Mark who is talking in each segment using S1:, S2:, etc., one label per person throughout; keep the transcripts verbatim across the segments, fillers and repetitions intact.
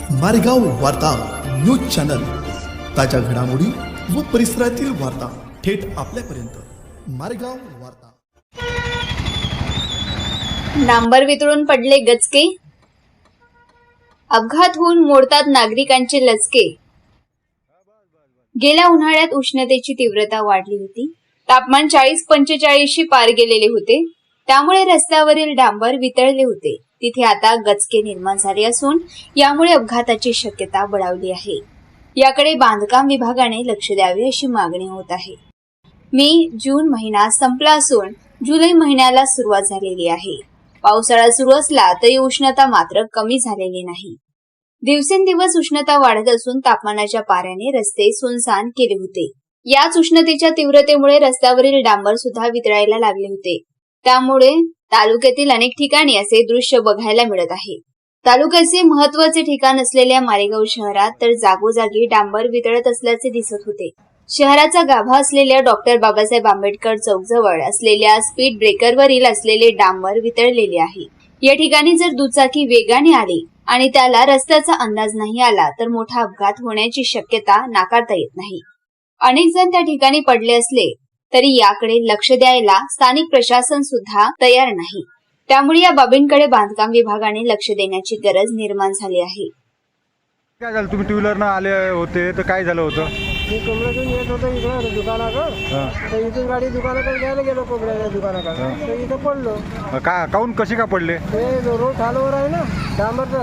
S1: मारेगाव वार्ता news channel, ताज्या घडामोडी व परिसरातील वार्ता थेट आपल्यापर्यंत। मारेगाव वार्ता।
S2: डांबर वितळून पडले गचके, अपघात होऊन मोडतात नागरिकांचे लचके। गेल्या उन्हाळ्यात उष्णतेची तीव्रता वाढली होती। तापमान चाळीस पंचेचाळीसशी पार गेलेले होते, त्यामुळे रस्त्यावरील डांबर वितळले होते। तिथे आता गचके निर्माण झाले असून यामुळे अपघाताची शक्यता बळावली आहे। याकडे बांधकाम विभागाने लक्ष द्यावे अशी मागणी होत आहे। मे जून महिना संपला असून जुलै महिन्याला सुरुवात झालेली आहे। पावसाळा सुरू असला तरी उष्णता मात्र कमी झालेली नाही। दिवसेंदिवस उष्णता वाढत असून तापमानाच्या पाऱ्याने रस्ते सुनसान केले होते। याच उष्णतेच्या तीव्रतेमुळे रस्त्यावरील डांबर सुद्धा वितळायला लागले होते। त्यामुळे तालुक्यातील अनेक ठिकाणी असे दृश्य बघायला मिळत आहे। तालुक्याचे महत्वाचे ठिकाण असलेल्या मारेगाव शहरात तर जागोजागी डांबर वितळत असल्याचे दिसत होते। शहराचा गाभा असलेल्या डॉक्टर बाबासाहेब आंबेडकर चौक जवळ असलेल्या स्पीड ब्रेकरवरील असलेले डांबर वितळलेले आहे। या ठिकाणी जर दुचाकी वेगाने आली आणि त्याला रस्त्याचा अंदाज नाही आला तर मोठा अपघात होण्याची शक्यता नाकारता येत नाही। अनेक जण त्या ठिकाणी पडले असले तरी याकडे लक्ष द्यायला स्थानिक प्रशासन सुद्धा तयार नाही। त्यामुळे या बाबींकडे बांधकाम विभागाने लक्ष देण्याची गरज निर्माण झाली आहे।
S3: काय झालं, तुम्ही टू व्हीलर न आले होते तर काय झालं होतं?
S4: मी कोंबड्यातून येत होतो इकडं दुकानाकडं, तर इथून गाडी दुकानाकडे घ्यायला गेलो कोंबड्याच्या दुकानाकडे, तर इथं पडलो।
S3: का काऊन कसे का पडले?
S4: ते रोड खालवर आहे ना डांबरचा,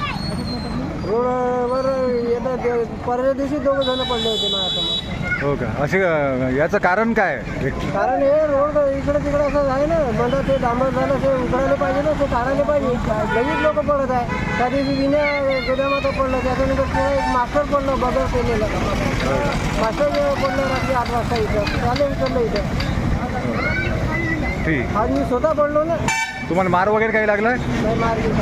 S4: रोडवर येतात परवा दिवशी दोघं जण पडले होते माझ्या।
S3: हो का? असे याचं कारण काय?
S4: कारण हे रोड इकडे तिकडे असं आहे ना, म्हणजे ते डांबर झालं ते उकडायला पाहिजे ना, ते काढायला पाहिजे। लगेच लोक पडत आहे। त्या दिवशी विण्या गोदामात पडलं, त्याच्यानंतर पुन्हा एक मास्टर पडलं बगर केलेलं, मास्टर पडलं रात्री आठ वाजता इथं, त्याला विचारलं इथं।
S3: ठीक,
S4: आज मी स्वतः पडलो ना।
S3: तुम्हाला मार वगैरे काही लागलाय?
S4: नहीं मार के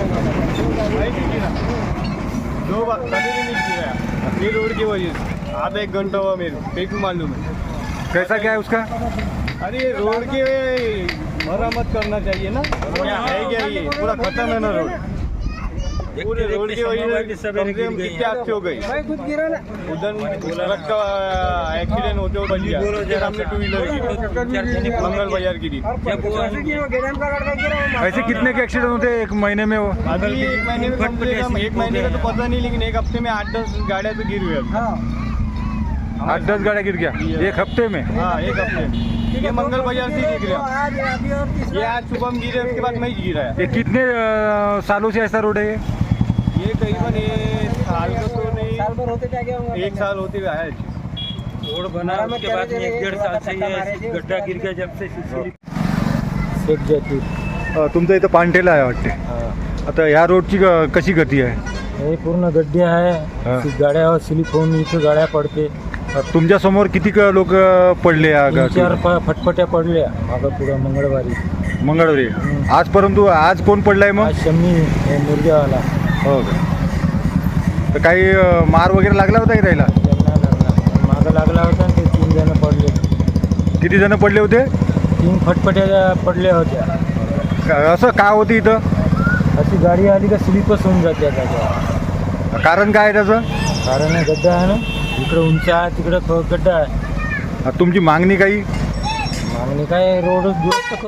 S5: दो बार कभी भी नहीं गिरा ये रोड की वजह से। आधा एक घंटा हुआ मेरे पेट में मालूम है।
S3: कैसा क्या है उसका?
S5: अरे रोड के मरम्मत करना चाहिए ना, है क्या ये पूरा खत्म है ना रोड। पूरे रोड की वजह से कितने हादसे हो गए।
S4: मैं खुद गिरा ना,
S5: उधर ट्रक का एक्सीडेंट होते हुए बच गया, उसके सामने टू व्हीलर गिरी, मंगल बाजार गिरी।
S3: ऐसे कितने के एक्सीडेंट होते एक महीने में? वो
S5: अभी एक महीने में कम से कम, एक महीने का तो पता नहीं, लेकिन एक हफ्ते में आठ दस गाड़ियाँ तो गिर हुई।
S3: आठ दस गाड़ियाँ गिर गया एक हफ्ते में?
S5: हाँ, एक हफ्ते में। ये मंगल बाजार से गिर गया, ये आज सुबह में गिरे, उसके बाद नहीं गिरा है।
S3: ये कितने अ, सालों से ऐसा रोड है ये?
S5: ये करीबन ये साल का तो नहीं,
S4: साल भर होते क्या क्या होगा?
S5: एक साल होते हुए है।
S6: रोड बना उसके बाद में एक डेढ़ साल से ये गड्ढा गिर गया जब से
S4: शेख जाती
S3: अ, तुमचं इथं पानठेला आहे वाटते। आता ह्या रोडची ग- कशी गती आहे?
S6: हे पूर्ण गड्डे
S3: हा.
S6: आहे, गाड्या स्लिप होऊन इथं गाड्या पडते।
S3: अ, तुमच्या समोर किती लोक पडले या
S6: तीन
S3: गाडीवर?
S6: चार फ- फटफट्या पडल्या मागं पुढं मंगळवारी।
S3: मंगळवारी आज, परंतु आज कोण पडलाय मग?
S6: आज शम्मी हे मुर्ग्यावाला
S3: हो का? तर काही अ, मार वगैरे लागला होता की त्याला?
S6: त्यांना लागला, मागं लागला होता आणि ते तीन जण पडले।
S3: किती जण पडले होते?
S6: तीन फटफट्या पडल्या होत्या।
S3: का- असं का होतं इथं?
S6: अशी गाडी आली का स्लिपच होऊन जाते त्याच्या।
S3: कारण काय आहे त्याचं?
S6: कारण हे गड्डा आहे ना, इकडं उंच आहे तिकडं ख- गड्डा आहे।
S3: अ, तुमची मागणी काही?
S6: मागणी काय, रोड दुरुस्त करून